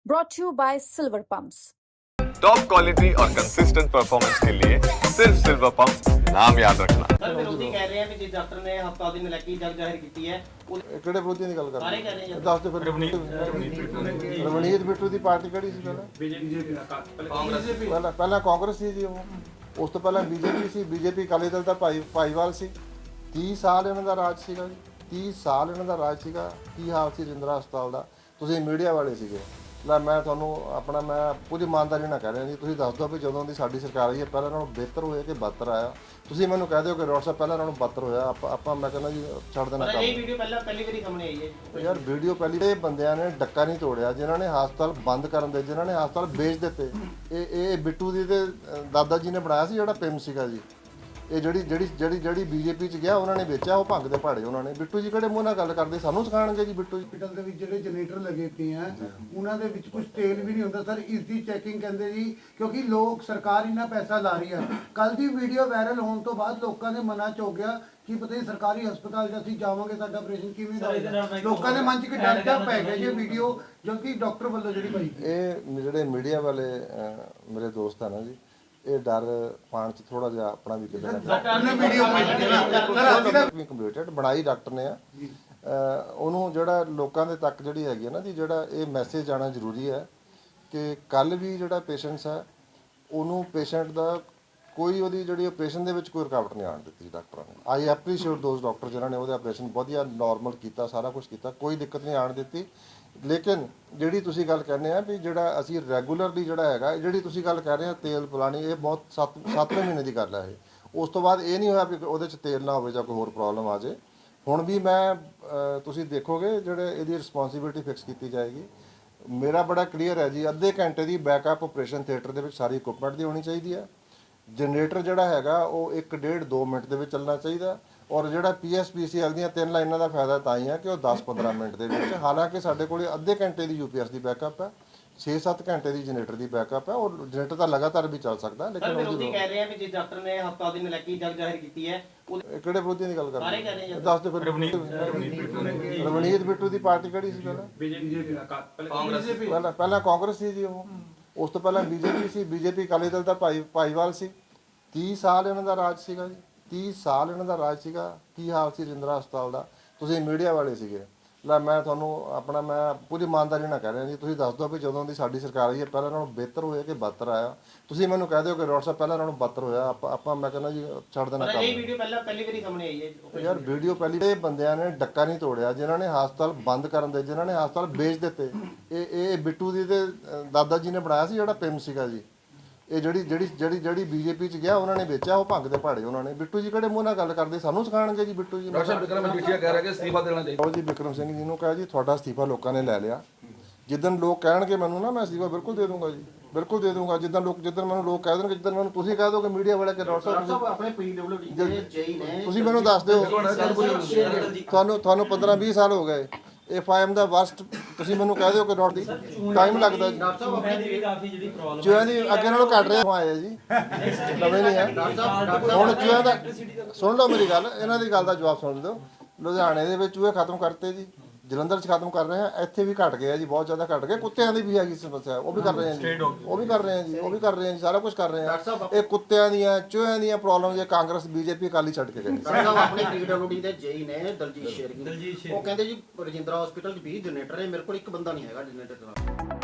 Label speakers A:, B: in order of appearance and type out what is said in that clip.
A: brought to you by Silver Pumps.
B: Top quality और consistent performance के लिए सिर्फ सिल्वर पंप नाम याद रखना।
C: सर विरोधी कह रहे हैं कि जिस डॉक्टर ने हफ्ता दिन लगी जग जाहिर की है
D: ਕਿਹੜੇ ਵਿਰੋਧੀ ਦੀ ਗੱਲ ਕਰ
C: ਸਾਰੇ ਕਹਿ ਰਹੇ ਆ।
D: ਦੱਸ ਦਿਓ ਫਿਰ ਰਵਨੀਤ ਬਿੱਟੂ ਦੀ ਪਾਰਟੀ ਕਿਹੜੀ ਸੀ ਪਹਿਲਾਂ ਕਾਂਗਰਸ ਸੀ ਜੀ ਉਹ ਉਸ ਤੋਂ ਪਹਿਲਾਂ ਬੀਜੇਪੀ ਸੀ ਬੀਜੇਪੀ ਅਕਾਲੀ ਦਲ ਦਾ ਭਾਈਵਾਲ ਸੀ 30 ਸਾਲ ਇਹਨਾਂ ਦਾ ਰਾਜ ਸੀਗਾ ਜੀ 30 ਸਾਲ ਇਹਨਾਂ ਦਾ ਰਾਜ ਸੀਗਾ ਕੀ ਹਾਲ ਸੀ ਰਜਿੰਦਰਾ ਹਸਪਤਾਲ ਦਾ ਤੁਸੀਂ ਮੀਡੀਆ ਵਾਲੇ ਸੀਗੇ ਲੈ ਮੈਂ ਤੁਹਾਨੂੰ ਆਪਣਾ ਮੈਂ ਕੁਝ ਇਮਾਨਦਾਰੀ ਨਾਲ ਕਹਿ ਰਿਹਾ ਜੀ ਤੁਸੀਂ ਦੱਸ ਦਿਓ ਵੀ ਜਦੋਂ ਦੀ ਸਾਡੀ ਸਰਕਾਰ ਆਈ ਹੈ ਪਹਿਲਾਂ ਨਾਲੋਂ ਬਿਹਤਰ ਹੋਇਆ ਕਿ ਬਦਤਰ ਆਇਆ ਤੁਸੀਂ ਮੈਨੂੰ ਕਹਿ ਦਿਓ ਕਿ ਡਾਕਟਰ ਸਾਹਿਬ ਪਹਿਲਾਂ ਨਾਲੋਂ ਬਦਤਰ ਹੋਇਆ ਆਪਾਂ ਮੈਂ ਕਹਿੰਦਾ ਜੀ ਛੱਡ ਦੇਣਾ ਕੰਮ
C: ਇਹ ਵੀਡੀਓ ਪਹਿਲੀ ਵਾਰੀ ਸਾਹਮਣੇ ਆਈ ਹੈ
D: ਯਾਰ ਵੀਡੀਓ ਪਹਿਲੀ ਇਹ ਬੰਦਿਆਂ ਨੇ ਡੱਕਾ ਨਹੀਂ ਤੋੜਿਆ ਜਿਨ੍ਹਾਂ ਨੇ ਹਸਪਤਾਲ ਬੰਦ ਕਰਨ ਦੇ ਜਿਨ੍ਹਾਂ ਨੇ ਹਸਪਤਾਲ ਵੇਚ ਦਿੱਤੇ ਇਹ ਬਿੱਟੂ ਦੀ ਤੇ ਦਾਦਾ ਜੀ ਨੇ ਬਣਾਇਆ ਸੀ ਜਿਹੜਾ ਪਿੰਮ ਸੀਗਾ ਜੀ ਇਹ ਜਿਹੜੀ ਬੀਜੇਪੀ ਚ ਗਿਆ ਉਹਨਾਂ ਨੇ ਵੇਚਿਆ ਉਹ ਭੰਗ ਦੇ ਪਹਾੜੇ ਉਹਨਾਂ ਨੇ ਬਿੱਟੂ ਜੀ ਕਿਹੜੇ ਮੂੰਹ ਨਾਲ ਗੱਲ ਕਰਦੇ ਸਾਨੂੰ ਸਿਖਾਣਗੇ ਜੀ ਬਿੱਟੂ ਜੀ
E: ਹਸਪੀਟਲ ਦੇ ਵਿੱਚ ਜਿਹੜੇ ਜਨਰੇਟਰ ਲੱਗੇ ਪਏ ਆ ਉਹਨਾਂ ਦੇ ਵਿੱਚ ਕੁਝ ਤੇਲ ਵੀ ਨਹੀਂ ਹੁੰਦਾ ਸਰ ਇਸ ਦੀ ਚੈਕਿੰਗ ਕਹਿੰਦੇ ਜੀ ਕਿਉਂਕਿ ਲੋਕ ਸਰਕਾਰ ਇੰਨਾ ਪੈਸਾ ਲਾ ਰਹੀ ਆ ਕੱਲ ਦੀ ਵੀਡੀਓ ਵਾਇਰਲ ਹੋਣ ਤੋਂ ਬਾਅਦ ਲੋਕਾਂ ਦੇ ਮਨਾਂ 'ਚ ਹੋ ਗਿਆ ਕਿ ਪਤਾ ਨਹੀਂ ਸਰਕਾਰੀ ਹਸਪਤਾਲ 'ਚ ਅਸੀਂ ਜਾਵਾਂਗੇ ਸਾਡਾ ਆਪਰੇਸ਼ਨ ਕਿਵੇਂ ਹੋਵੇਗਾ ਲੋਕਾਂ ਦੇ ਮਨ 'ਚ ਇੱਕ ਡਰ ਜਾ ਪੈ ਗਿਆ ਜੀ ਵੀਡੀਓ ਜੋ ਕਿ ਡਾਕਟਰ ਵੱਲੋਂ ਜਿਹੜੀ ਭਾਈ
D: ਇਹ ਜਿਹੜੇ ਮੀਡੀਆ ਵਾਲੇ ਮੇਰੇ ਦੋਸਤ ਆ ਨਾ ਜੀ ਇਹ ਡਰ ਪਾਣ ਚ ਥੋੜਾ ਜਿਹਾ ਆਪਣਾ ਵੀ ਕਿਤੇ ਕੰਪਿਊਟਰ ਬਣਾਈ ਡਾਕਟਰ ਨੇ ਆ ਉਹਨੂੰ ਜਿਹੜਾ ਲੋਕਾਂ ਦੇ ਤੱਕ ਜਿਹੜੀ ਹੈਗੀ ਹੈ ਨਾ ਜੀ ਜਿਹੜਾ ਇਹ ਮੈਸੇਜ ਜਾਣਾ ਜ਼ਰੂਰੀ ਹੈ ਕਿ ਕੱਲ ਵੀ ਜਿਹੜਾ ਪੇਸ਼ੈਂਟਸ ਹੈ ਉਹਨੂੰ ਪੇਸ਼ੈਂਟ ਦਾ ਕੋਈ ਉਹਦੀ ਜਿਹੜੀ ਆਪਰੇਸ਼ਨ ਦੇ ਵਿੱਚ ਕੋਈ ਰੁਕਾਵਟ ਨਹੀਂ ਆਉਣ ਦਿੱਤੀ ਡਾਕਟਰਾਂ ਨੇ ਆਈ ਐਪਰੀਸ਼ੀਏਟ ਦੋਜ਼ ਡਾਕਟਰ ਜਿਨ੍ਹਾਂ ਨੇ ਉਹਦੇ ਆਪਰੇਸ਼ਨ ਵਧੀਆ ਨਾਰਮਲ ਕੀਤਾ ਸਾਰਾ ਕੁਝ ਕੀਤਾ ਕੋਈ ਦਿੱਕਤ ਨਹੀਂ ਆਉਣ ਦਿੱਤੀ ਲੇਕਿਨ ਜਿਹੜੀ ਤੁਸੀਂ ਗੱਲ ਕਹਿੰਦੇ ਆ ਵੀ ਜਿਹੜਾ ਅਸੀਂ ਰੈਗੂਲਰਲੀ ਜਿਹੜਾ ਹੈਗਾ ਜਿਹੜੀ ਤੁਸੀਂ ਗੱਲ ਕਰ ਰਹੇ ਆ ਤੇਲ ਪਲਾਣੀ ਇਹ ਬਹੁਤ 7ਵੇਂ ਮਹੀਨੇ ਦੀ ਗੱਲ ਹੈ ਇਹ ਉਸ ਤੋਂ ਬਾਅਦ ਇਹ ਨਹੀਂ ਹੋਇਆ ਵੀ ਉਹਦੇ 'ਚ ਤੇਲ ਨਾ ਹੋਵੇ ਜਾਂ ਕੋਈ ਹੋਰ ਪ੍ਰੋਬਲਮ ਆ ਜੇ ਹੁਣ ਵੀ ਮੈਂ ਤੁਸੀਂ ਦੇਖੋਗੇ ਜਿਹੜੇ ਇਹਦੀ ਰਿਸਪੌਂਸਿਬਿਲਟੀ ਫਿਕਸ ਕੀਤੀ ਜਾਏਗੀ ਮੇਰਾ ਬੜਾ ਕਲੀਅਰ ਹੈ ਜੀ ਅੱਧੇ ਘੰਟੇ ਦੀ ਬੈਕਅਪ ਆਪਰੇਸ਼ਨ ਥੀਏਟਰ ਦੇ ਵਿੱਚ ਸਾਰੀ ਇਕੁਇਪਮੈਂਟ ਦੀ ਹੋਣੀ ਚਾਹੀਦੀ ਹੈ ਜਨਰੇਟਰ ਜਿਹੜਾ ਹੈਗਾ ਉਹ 1.5 2 ਮਿੰਟ ਦੇ ਵਿੱਚ ਚੱਲਣਾ ਚਾਹੀਦਾ ਔਰ ਜਿਹੜਾ PSPCL ਦੀਆਂ 3 ਲਾਈਨਾਂ ਦਾ ਫਾਇਦਾ ਤਾਂ ਹੀ ਹੈ ਕਿ ਉਹ 10-15 ਮਿੰਟ ਦੇ ਵਿੱਚ ਹਾਲਾਂਕਿ ਸਾਡੇ ਕੋਲ ਅੱਧੇ ਘੰਟੇ ਦੀ UPS ਦੀ ਬੈਕਅਪ ਹੈ 6-7 ਘੰਟੇ ਦੀ ਜਨਰੇਟਰ ਦੀ ਬੈਕਅਪ ਹੈ ਔਰ ਜਨਰੇਟਰ ਤਾਂ ਲਗਾਤਾਰ ਵੀ ਚੱਲ ਸਕਦਾ ਲੇਕਿਨ
C: ਵਿਰੋਧੀ ਕਹਿ ਰਹੇ ਆ ਕਿ ਜਿਸ ਡਾਕਟਰ ਨੇ ਹਫਤਾ ਦਿਨ ਲੱਗੀ ਜਗ ਜਾਹਿਰ ਕੀਤੀ ਹੈ
D: ਕਿਹੜੇ ਵਿਰੋਧੀ ਦੀ ਗੱਲ ਕਰ
C: ਸਾਰੇ ਕਹਿ ਰਹੇ ਆ
D: ਦੱਸ ਦਿਓ ਫਿਰ ਰਵਨੀਤ ਬਿੱਟੂ ਦੀ ਪਾਰਟੀ ਕਿਹੜੀ ਸੀ ਪਹਿਲਾਂ ਕਾਂਗਰਸ ਸੀ ਜੀ ਉਹ ਉਸ ਤੋਂ ਪਹਿਲਾਂ ਬੀਜੇਪੀ ਸੀ ਬੀਜੇਪੀ ਅਕਾਲੀ ਦਲ ਦਾ ਭਾਈਵਾਲ ਸੀ 30 ਸਾਲ ਇਹਨਾਂ ਦਾ ਰਾਜ ਸੀਗਾ ਜੀ 30 ਸਾਲ ਇਹਨਾਂ ਦਾ ਰਾਜ ਸੀਗਾ ਕੀ ਹਾਲ ਸੀ ਰਜਿੰਦਰਾ ਹਸਪਤਾਲ ਦਾ ਤੁਸੀਂ ਮੀਡੀਆ ਵਾਲੇ ਸੀਗੇ ਲੈ ਮੈਂ ਤੁਹਾਨੂੰ ਆਪਣਾ ਮੈਂ ਕੁਝ ਇਮਾਨਦਾਰੀ ਨਾਲ ਕਹਿ ਰਿਹਾ ਜੀ ਤੁਸੀਂ ਦੱਸ ਦਿਓ ਵੀ ਜਦੋਂ ਦੀ ਸਾਡੀ ਸਰਕਾਰ ਆਈ ਹੈ ਪਹਿਲਾਂ ਨਾਲੋਂ ਬਿਹਤਰ ਹੋਇਆ ਕਿ ਬਦਤਰ ਆਇਆ ਤੁਸੀਂ ਮੈਨੂੰ ਕਹਿ ਦਿਓ ਕਿ ਡਾਕਟਰ ਸਾਹਿਬ ਪਹਿਲਾਂ ਨਾਲੋਂ ਬਦਤਰ ਹੋਇਆ ਆਪਾਂ ਮੈਂ ਕਹਿੰਦਾ ਜੀ ਛੱਡ ਦੇਣਾ ਕੰਮ
C: ਇਹ ਵੀਡੀਓ ਪਹਿਲੀ ਵਾਰੀ ਸਾਹਮਣੇ ਆਈ ਹੈ
D: ਯਾਰ ਵੀਡੀਓ ਪਹਿਲੀ ਇਹ ਬੰਦਿਆਂ ਨੇ ਡੱਕਾ ਨਹੀਂ ਤੋੜਿਆ ਜਿਨ੍ਹਾਂ ਨੇ ਹਸਪਤਾਲ ਬੰਦ ਕਰਨ ਦੇ ਜਿਨ੍ਹਾਂ ਨੇ ਹਸਪਤਾਲ ਵੇਚ ਦਿੱਤੇ ਇਹ ਬਿੱਟੂ ਦੀ ਤੇ ਦਾਦਾ ਜੀ ਨੇ ਬਣਾਇਆ ਸੀ ਜਿਹੜਾ ਪਿੰਮ ਸੀਗਾ ਜੀ ਇਹ ਜਿਹੜੀ ਬੀਜੇਪੀ ਚ ਗਿਆ ਉਹਨਾਂ ਨੇ ਵੇਚਿਆ ਉਹ ਭੰਗ ਦੇ ਪਹਾੜੇ ਉਹਨਾਂ ਨੇ ਬਿੱਟੂ ਜੀ ਕਿਹੜੇ ਮੂੰਹ ਨਾਲ ਗੱਲ ਕਰਦੇ ਸਾਨੂੰ ਸਿਖਾਣਗੇ ਜੀ ਬਿੱਟੂ ਜੀ
F: ਡਾਕਟਰ ਵਿਕਰਮ ਮਜੀਠੀਆ ਕਹਿ ਰਿਹਾ ਕਿ ਅਸਤੀਫਾ ਦੇਣਾ ਚਾਹੀਦਾ
D: ਉਹ ਜੀ ਵਿਕਰਮ ਸਿੰਘ ਜੀ ਨੂੰ ਕਹਾ ਜੀ ਤੁਹਾਡਾ ਅਸਤੀਫਾ ਲੋਕਾਂ ਨੇ ਲੈ ਲਿਆ ਜਿੱਦਣ ਲੋਕ ਕਹਿਣਗੇ ਮੈਨੂੰ ਨਾ ਮੈਂ ਅਸਤੀਫਾ ਬਿਲਕੁਲ ਦੇ ਦੂੰਗਾ ਜੀ ਬਿਲਕੁਲ ਦੇ ਦੂੰਗਾ ਜਿੱਦਣ ਮੈਨੂੰ ਲੋਕ ਕਹਿ ਦੇਣਗੇ ਜਿੱਦਣ ਮੈਨੂੰ ਤੁਸੀਂ ਕਹਿ ਦੋਗੇ ਮੀਡੀਆ ਵਾਲੇ ਕਿ ਡਾਕਟਰ ਸਾਹਿਬ
C: ਆਪਣੇ PWD ਦੇ ਜੇਈ ਨੇ
D: ਤੁਸੀਂ ਮੈਨੂੰ ਦੱਸ ਦਿਓ ਤੁਹਾਨੂੰ 15-20 ਸਾਲ ਹੋ ਗਏ FIM ਦਾ ਵਰਸਟ ਤੁਸੀਂ ਮੈਨੂੰ ਕਹਿ ਦਿਓ ਕਿ ਨੋਟ ਦੀ ਟਾਈਮ ਲੱਗਦਾ ਜੀ ਚੂਹਿਆਂ ਦੀ ਅੱਗੇ ਨਾਲੋਂ ਘੱਟ ਰਿਹਾ ਆਇਆ ਜੀ ਨਵੇਂ ਨਹੀਂ ਆ ਹੁਣ ਚੂਹਿਆਂ ਦਾ ਸੁਣ ਲਓ ਮੇਰੀ ਗੱਲ ਇਹਨਾਂ ਦੀ ਗੱਲ ਦਾ ਜਵਾਬ ਸੁਣ ਦਿਓ ਲੁਧਿਆਣੇ ਦੇ ਵਿੱਚ ਚੂਹੇ ਖਤਮ ਕਰਤੇ ਜੀ ਜਲੰਧਰ 'ਚ ਖਤਮ ਕਰ ਰਹੇ ਆ ਇੱਥੇ ਵੀ ਘਟ ਗਿਆ ਜੀ ਬਹੁਤ ਜ਼ਿਆਦਾ ਘਟ ਗਏ ਕੁੱਤਿਆਂ ਦੀ ਵੀ ਹੈਗੀ ਸਮੱਸਿਆ ਉਹ ਵੀ ਕਰ ਰਹੇ ਆ ਜੀ ਉਹ ਵੀ ਕਰ ਰਹੇ ਆ ਜੀ ਸਾਰਾ ਕੁਝ ਕਰ ਰਹੇ ਆ ਇਹ ਕੁੱਤਿਆਂ ਦੀਆਂ ਚੂਹਿਆਂ ਦੀਆਂ ਪ੍ਰੋਬਲਮ ਜੇ ਕਾਂਗਰਸ BJP ਅਕਾਲੀ ਛੱਡ ਕੇ ਗਏ
C: ਆਪਣੇ PWD ਦੇ ਜੇਈ ਨੇ ਦਲਜੀਤ ਸ਼ੇਰਗੀ ਉਹ ਕਹਿੰਦੇ ਜੀ ਰਜਿੰਦਰਾ ਹਸਪੀਟਲ 'ਚ 20 ਜਨਰੇਟਰ ਹੈ ਮੇਰੇ ਕੋਲ ਇੱਕ ਬੰਦਾ ਨਹੀਂ ਹੈਗਾ ਜਨਰੇਟਰ ਦਾ